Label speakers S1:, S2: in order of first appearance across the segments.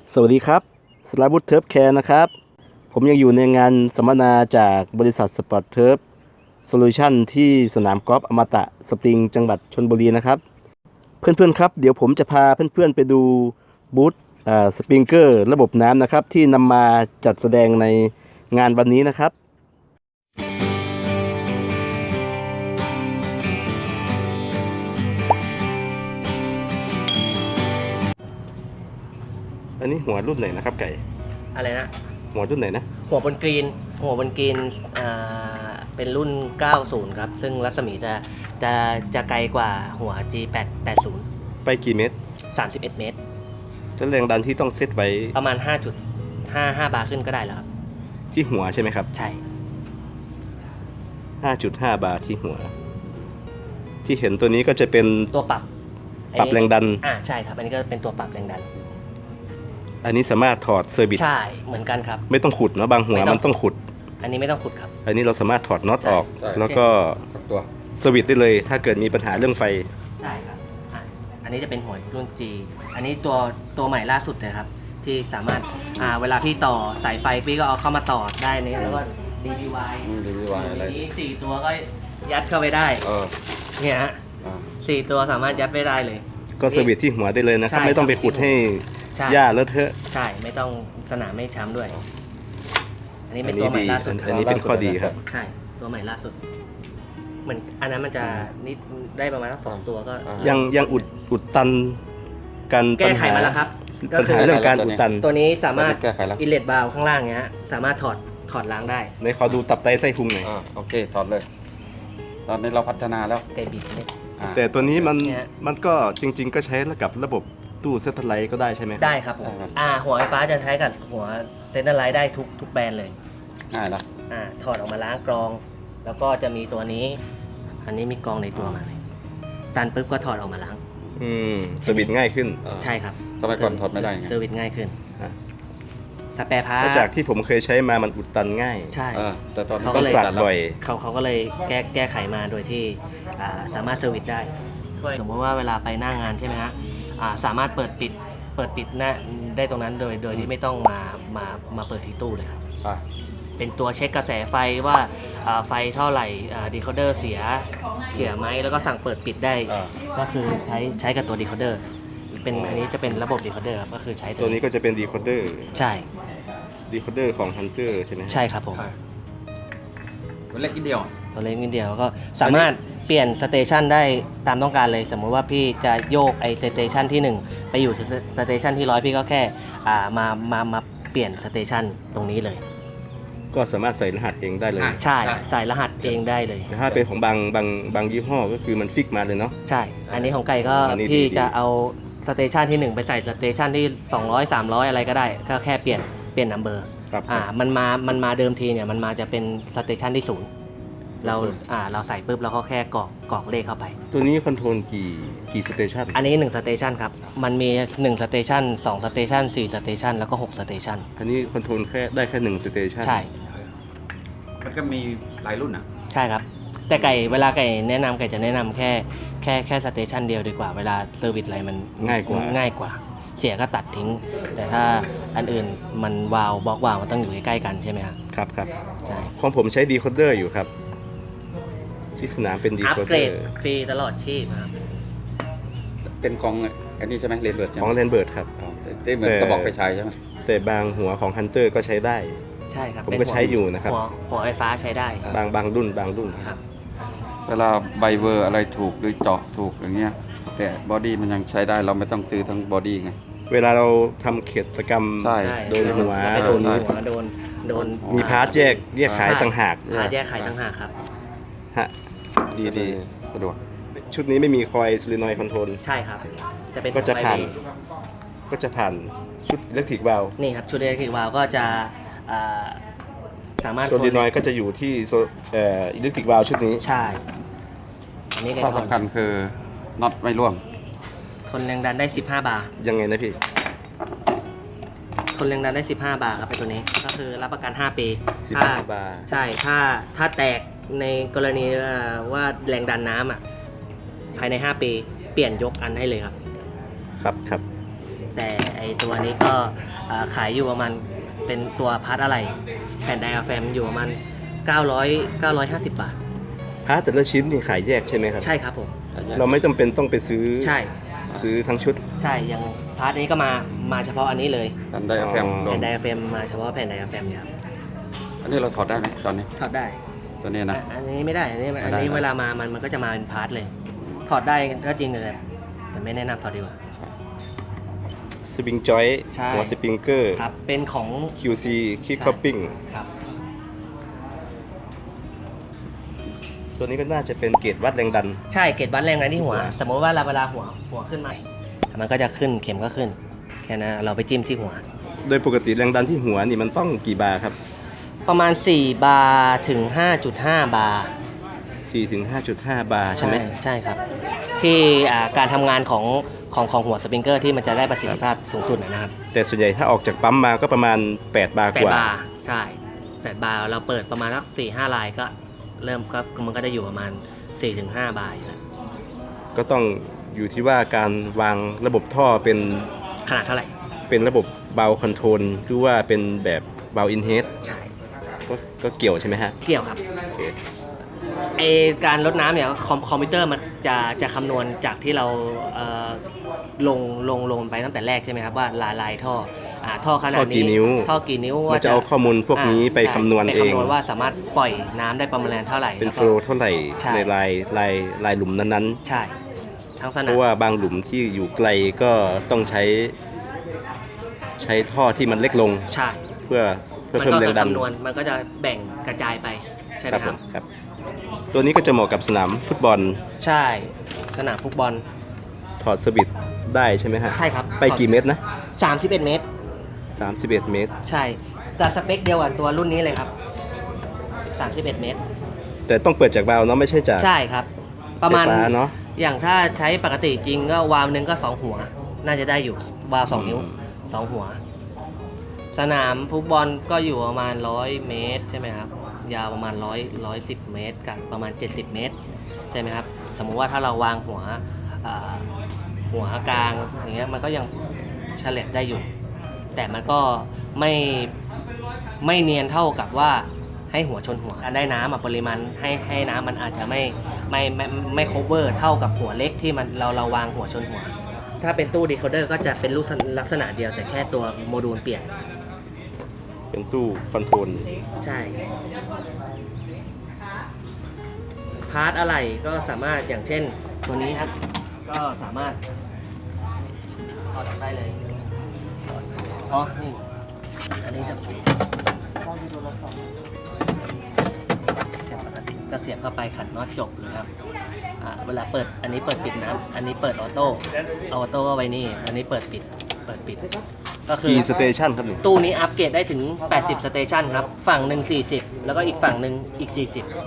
S1: สวัสดีครับสราวุธเทิร์ฟแคร์นะครับผมยังอยู่ในงานสัมมนาจากบริษัทสปอร์ตเทิร์ฟโซลูชันที่สนามกอล์ฟอมตะสปริงจังหวัดชลบุรีนะครับเพื่อนๆครับเดี๋ยวผมจะพาเพื่อนๆไปดูบูธสปริงเกอร์ระบบน้ำนะครับที่นำมาจัดแสดงในงานวันนี้นะครับอันนี้หัวรุ่นไหนนะครับไก่
S2: อะไรนะ
S1: หัวรุ่นไหนนะ
S2: หัวบนกรีนเป็นรุ่น 90 ครับซึ่งรัศมีจะไกลกว่าหัว G880
S1: ไปกี่เมตร
S2: 31 เมตร
S1: แล้วแรงดันที่ต้องเซตไว้
S2: ประมาณ 5.55 บาร์ขึ้นก็ได้แล้วครับ
S1: ที่หัวใช่ไหมครับ
S2: ใช่
S1: 5.5 บาร์ที่หัวที่เห็นตัวนี้ก็จะเป็น
S2: ตัวปรับ
S1: แรงดัน
S2: ใช่ครับอันนี้ก็เป็นตัวปรับแรงดัน
S1: อันนี้สามารถถอดเซอร์วิส
S2: ใช่เหมือนกันครับ
S1: ไม่ต้องขุดเนาะบางหัวมันต้องขุด
S2: อันนี้ไม่ต้องขุดครับ
S1: อันนี้เราสามารถถอดน็อตออกแล้วก็
S3: ตัว
S1: เซอร์วิสได้เลยถ้าเกิดมีปัญหาเรื่องไฟ
S2: ใช่ครับอันนี้จะเป็นหัวรุ่น G อันนี้ตัวใหม่ล่าสุดเลยครับที่สามารถเวลาพี่ต่อสายไฟพี่ก็เอาเข้ามาต่อได้นี่แล้วก็ DVY
S3: อะไร
S2: นี้4ตัวก็ยัดเข้าไปได้เนี่ยฮะ4ตัวสามารถยัดไปได้เลย
S1: ก็เซอร์วิสที่หัวได้เลยนะครับไม่ต้องไปขุดให้หญ้าเลอะเทอะ
S2: ใช่ไม่ต้องสนามไม่ช้ำด้วยอันนี้เป็นตัวใหม่ล่าสุด
S1: อันนี้เป็นข้อดีครับ
S2: ใช่ตัวใหม่ล่าสุดเหมือนอันนั้นมันจะนิดได้ประมาณ2ตัวก็
S1: ยังอุดตันกัน
S2: แก้ไขมาแล้วครับ
S1: ปัญหาเรื่องการอุดตัน
S2: ตัวนี้สามารถอินเลตบาล์วข้างล่างเนี้ยสามารถถอดล้างได้
S1: ในขอดูตับไตไส้พุงหน่อย
S3: โอเคถอดเลยตอนนี้เราพัฒนาแล้ว
S2: ไก่บิด
S1: แต่ตัวนี้มันก็จริงๆก็ใช้กับระบบตู้เซตเทอร์ไลท์ก็ได้ใช่ไหม
S2: ได้ครับผมหัวไฟฟ้าจะใช้กับหัวเซตเทอร์ไลท์ได้ทุกแบรนด์เลย
S3: ง่ายละ
S2: ถอดออกมาล้างกรองแล้วก็จะมีตัวนี้อันนี้มีกรองในตัวมาเลยตันปุ๊บก็ถอดออกมาล้าง
S1: เซอร์วิสง่ายขึ้น
S2: ใช่ครับ
S3: สมัยก่อนถอดไม่ได้ไง
S2: เซอร์วิสง่ายขึ้นสเปรย์พาร์ท
S1: จากที่ผมเคยใช้มามันอุดตันง่าย
S2: ใช่
S3: แต่ตอน
S1: เขาก็เลยบ่อย
S2: เขาก็เลยแก้ไขมาโดยที่สามารถเซอร์วิสได้สมมติว่าเวลาไปหน้างานใช่ไหมฮะสามารถเปิดปิดได้ตรงนั้นโดยที่ไม่ต้องมาเปิดที่ตู้เลยครับเป็นตัวเช็คกระแสไฟว่าไฟเท่าไหร่ดีโคเดอร์เสียไหมแล้วก็สั่งเปิดปิดได้ก็คือใช้กับตัวดีโคเดอร์อันนี้จะเป็นระบบดีโคเดอร์ครับก็คือใช้
S1: ตัวนี้ก็จะเป็นดีโคเดอร์
S2: ใช่
S1: ดีโคเดอร์ของฮันเตอร์ใช่ไหม
S2: ใช่ครับผม
S3: ตัวเล็กนิดเดียว
S2: ก็สามารถเปลี่ยนสเตชันได้ตามต้องการเลยสมมุติว่าพี่จะโยกไอสเตชันที่1ไปอยู่สเตชันที่100พี่ก็แค่มาเปลี่ยนสเตชันตรงนี้เลย
S1: ก็สามารถใส่รหัสเองได้เลย
S2: ใช่ใส่รหัสเองได้เลย
S1: แต่ถ้าเป็นของบางยี่ห้อก็คือมันฟิกมาเลยเนาะ
S2: ใช่อันนี้ของไก่ก็พี่จะเอาสเตชันที่1ไปใส่สเตชันที่200 300อะไรก็ได้ก็แค่เปลี่ยนนัมเบอร์มันมาเดิมทีเนี่ยมันมาจะเป็นสเตชันที่0เราใส่ปุ๊บแล้วก็แค่กรอกเลขเข้าไป
S1: ตัวนี้คอนโทรลกี่สเตชัน
S2: อันนี้1สเตชันครับมันมี1สเตชัน2สเตชัน4สเตชันแล้วก็6สเตชัน
S1: อันนี้คอนโทรลได้แค่1สเตชัน
S2: ใช่
S3: มันก็มีหลายรุ่น
S2: ใช่ครับแต่เวลาไก่แนะนำไก่จะแนะนำแค่สเตชันเดียวดีกว่าเวลาเซอร์วิสอะไรมันง่ายกว่าเสียก็ตัดทิ้งแต่ถ้าอันอื่นมันบล็อกวาล์วมันต้องอยู่ใกล้ๆกันใช่ไหม
S1: ครับ
S2: ใช่
S1: ของผมใช้ดีโคเดอร์อยู่ครับที่สนามเป็นดีโคเดอร์อัปเกรด
S2: ฟรีตลอดชีพครับ
S3: เป็นของอันนี้ใช่ไหมเรนเบิร์ด
S1: ของเรนเบิร์ดครับ
S3: ได้เหมือนกระบอกไฟฉายใช่ไหม
S1: แต่บางหัวของฮันเตอร์ก็ใช้ได้
S2: ใช่ครับ
S1: ผมก็ใช้อยู่นะครับ
S2: หัวไฟฟ้าใช้ได้
S1: บางรุ่น
S2: ครับ
S3: เวลาไบเวอร์อะไรถูกหรือเจาะถูกอย่างเงี้ยแต่บอดี้มันยังใช้ได้เราไม่ต้องซื้อทั้งบอดี้ไง
S1: เวลาเราทำกิจกรรมโดนหัว
S2: โดน
S1: มีพาร์ทแยกขายต่างหาก
S2: แยกขายต่างหากครับ
S1: ดี
S3: สะดวก
S1: ชุดนี้ไม่มีคอยโซลินอยด์คอนโทรล
S2: ใช่ครับ
S1: ก็จะผ่านชุดอิเล็กทริกวาล์ว
S2: นี่ครับชุดอิเล็กทริกวาล์วก็จะสามารถ
S1: โซลินอยด์ก็จะอยู่ที่อิเล็กทริกวาล์วชุดนี้
S2: ใช่อันนี้
S3: ข้อสำคัญคือน็อตไม่ร่วง
S2: ทนแรงดันได้15 บาร์
S1: ยังไงนะพี่
S2: ทนแรงดันได้15 บาร์ครับเป็นตัวนี้ก็คือรับประกัน5 ปี
S1: 15 บาร์
S2: ใช่ถ้าแตกในกรณีว่าแรงดันน้ำภายใน5 ปีเปลี่ยนยกอันให้เลยครับ
S1: ครับ
S2: แต่ไอตัวนี้ก็ขายอยู่ประมาณเป็นตัวพาร์ทอะไรแผ่นไดอะแฟมอยู่ประมาณ950 บาท
S1: พาร์ทแต่ละชิ้นนี่ขายแยกใช่ไหมครับ
S2: ใช่ครับผม
S1: เราไม่จำเป็นต้องไปซื้อ
S2: ใช่
S1: ซื้อทั้งชุด
S2: ใช่อย่างพาร์ทนี้ก็มาเฉพาะอันนี้เลย
S3: กันไดอะแฟมล
S2: แผ่
S3: ง
S2: นไดอะแฟมมาเฉพาะแผ่นไดอะแฟมเนี่ยครับ
S3: อันนี้เราถอดได้ไหมตอนนี้
S2: ถอดได้
S3: ตัวนี้นะ
S2: อันนี้ไม่ได้ อันนี้
S3: ไม่ได้
S2: เวลามามันก็จะมาเป็นพาร์ทเลย ถอดได้ก็จริงแต่ไม่แนะนำถอดดีกว่า
S1: สปริงจอย
S2: ใช่
S1: หัวสปริงเกอร์
S2: ครับ เป็นของ
S1: QC คิก
S2: ใช่
S1: คัพปิ้ง
S2: ครับ
S1: ตัวนี้ก็น่าจะเป็นเกจวัดแรงดัน
S2: ใช่เกจวัดแรงดันที่หัว สมมติว่าเวลาหัวขึ้นมามันก็จะขึ้นเข็มก็ขึ้น แค่นั้นเราไปจิ้มที่หัว
S1: โดยปกติแรงดันที่หัวนี่มันต้องกี่บาร์ครับ
S2: ประมาณ 4 บาร์ถึง 5.5 บาร์
S1: 4 ถึง 5.5 บาร์ใช่ไหม
S2: ใช่ครับ ที่การทำงานของหัวสปริงเกอร์ที่มันจะได้ประสิทธิภาพสูงสุดนะครับ
S1: แต่ส่วนใหญ่ถ้าออกจากปั๊มมาก็ประมาณ 8 บาร์กว่า
S2: 8 บาร์ใช่ 8 บาร์เราเปิดประมาณสัก4-5 ลายก็เริ่มก็มันก็จะอยู่ประมาณ 4-5 บาร์อยู่แล้ว
S1: ก็ต้องอยู่ที่ว่าการวางระบบท่อเป็น
S2: ขนาดเท่าไหร่
S1: เป็นระบบเบาคอนโทรลหรือว่าเป็นแบบเบาอินเฮด
S2: ใช่
S1: ก็เกี่ยวใช่ไหมฮะ
S2: เกี่ยวครับไอการลดน้ำเนี่ยคอมพิวเตอร์มันจะคำนวณจากที่เราลงไปตั้งแต่แรกใช่ไหมครับว่าลายท่อท่อขนาด
S1: ท่อกี่
S2: นี้
S1: นิ้ว
S2: ท่อกี่นิ้ว
S1: มันจะเอาข้อมูลพวกนี้ไป
S2: ใช่
S1: คำนวณ
S2: ไป
S1: เอง
S2: คำนวณว่าสามารถปล่อยน้ำได้ประมาณเท่าไหร่
S1: เป็น
S2: แล้ว
S1: โฟ
S2: ก็
S1: ลว์เท่าไหร่
S2: ใช่
S1: ในลายหลุมนั้น
S2: ใช่ทั้งส
S1: ๆ
S2: นา
S1: เพ
S2: ม
S1: ราะว่าบางหลุมที่อยู่ไกลก็ต้องใช้ท่อที่มันเล็กลง
S2: ใช่
S1: เพื่อ
S2: มัน
S1: เพิ่ม
S2: ก็
S1: แร
S2: คื
S1: ง
S2: อ
S1: ดัน
S2: คำนวณมันก็จะแบ่งกระจายไปใช่ไหม
S1: ครับ
S2: ค
S1: ผ
S2: รับ
S1: มครับ ตัวนี้ก็จะเหมาะกับสนามฟุตบอล
S2: ใช่สนามฟุตบอล
S1: ถอดสวิตช์ได้ใช่ไหมฮะ
S2: ใช่ครับ
S1: ไปกี่เมตรนะ
S2: 31 เมตร
S1: 31 เมตร
S2: ใช่แต่สเปคเดียวกับตัวรุ่นนี้เลยครับ31 เมตร
S1: แต่ต้องเปิดจากวาล์วเนาะไม่ใช่จาก
S2: ใช่ครับ ประมาณ
S1: ไฟฟ้าเนาะ
S2: อย่างถ้าใช้ปกติจริงก็วาล์วหนึ่งก็ 2 หัว น่าจะได้อยู่วาล์ว2 นิ้ว 2 หัว สนามฟุตบอลก็อยู่ประมาณ 100 เมตรใช่ไหมครับ ยาวประมาณ110 เมตรกับประมาณ 70 เมตร ใช่ไหมครับ สมมุติว่าถ้าเราวางหัวกลางอย่างเงี้ยมันก็ยังเฉลบได้อยู่ แต่มันก็ไม่เนียนเท่ากับว่าให้หัวชนหัวการได้น้ำปริมาณให้น้ำมันอาจจะไม่ cover เท่ากับหัวเล็กที่มันเราวางหัวชนหัว ถ้าเป็นตู้ decoder ก็จะเป็นรูปลักษณะเดียวแต่แค่ตัวโมดูลเปลี่ยน
S1: เป็นตู้คอนโทรล
S2: ใช่ พาร์ทอะไรก็สามารถอย่างเช่นตัวนี้ครับ ก็สามารถถอดออกได้เลยอ๋อนี่อันนี้จะเสียบปกติก็เสียบเข้าไปขันน็อตจบเลยครับเวลาเปิดอันนี้เปิดปิดน้ำอันนี้เปิดออโต้เอาออโต้ก็ไว้นี่อันนี้เปิดปิดก็คือ
S1: กี่สเตชันครับนี่
S2: ตู้นี้อัปเกรดได้ถึง 80 สเตชันครับ ฝั่งหนึ่ง40 แล้วก็อีกฝั่งหนึ่งอีก 40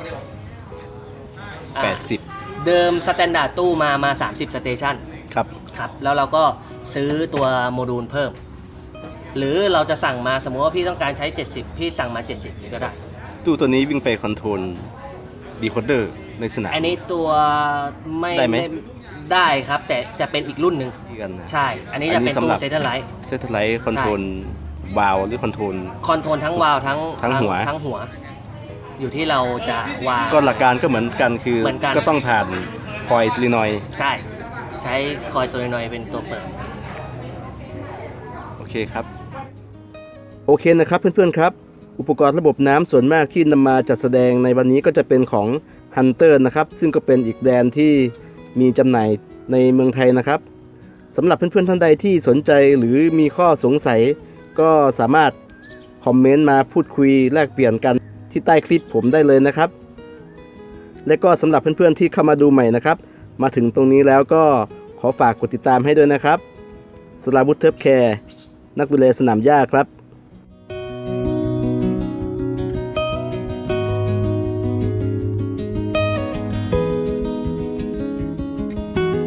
S1: 80
S2: เดิมสแตนดาร์ดตู้มา30 สเตชัน
S1: ครับ
S2: ครับ แล้วเราก็ซื้อตัวโมดูลเพิ่ม หรือเราจะสั่งมาสมมติว่าพี่ต้องการใช้ 70 พี่สั่งมา 70นี่ก็ได้
S1: ตู้ตัวนี้วิ่งไปคอนโทรลดีโคเดอร์ในสนาม
S2: อันนี้ตัวไม่
S1: ได้ไหม
S2: ได้ครับ แต่จะเป็นอีกรุ่นหนึ่ง
S1: ที่กันนะ
S2: ใช่ อันนี้จะเป็นตู้เซตไลท์
S1: เซตไลท์คอนโทรลวาล์วหรือคอนโทรล
S2: คอนโทรลทั้งวาล์วทั้ง
S1: ทั้งหัว
S2: ทั้งหัว อยู่ที่เราจะวาง
S1: ก็หลักการก็เหมือนกันคือ
S2: เหมือนกัน
S1: ก็ต้องผ่านคอยซิลินอยด์
S2: ใช่ ใช้คอยโซลินอยด์เป็นตัวเปิด
S1: โอเคครับ โอเคนะครับเพื่อนๆครับ อุปกรณ์ระบบน้ำส่วนมากที่นำมาจัดแสดงในวันนี้ก็จะเป็นของ Hunter นะครับซึ่งก็เป็นอีกแบรนด์ที่มีจำหน่ายในเมืองไทยนะครับสำหรับเพื่อนๆท่านใดที่สนใจหรือมีข้อสงสัย ก็สามารถคอมเมนต์มาพูดคุยแลกเปลี่ยนกันที่ใต้คลิปผมได้เลยนะครับ และก็สำหรับเพื่อนๆที่เข้ามาดูใหม่นะครับมาถึงตรงนี้แล้วก็ขอฝากกดติดตามให้ด้วยนะครับสราวุธเทิร์ฟแคร์นักดูแลสนามหญ้าครับ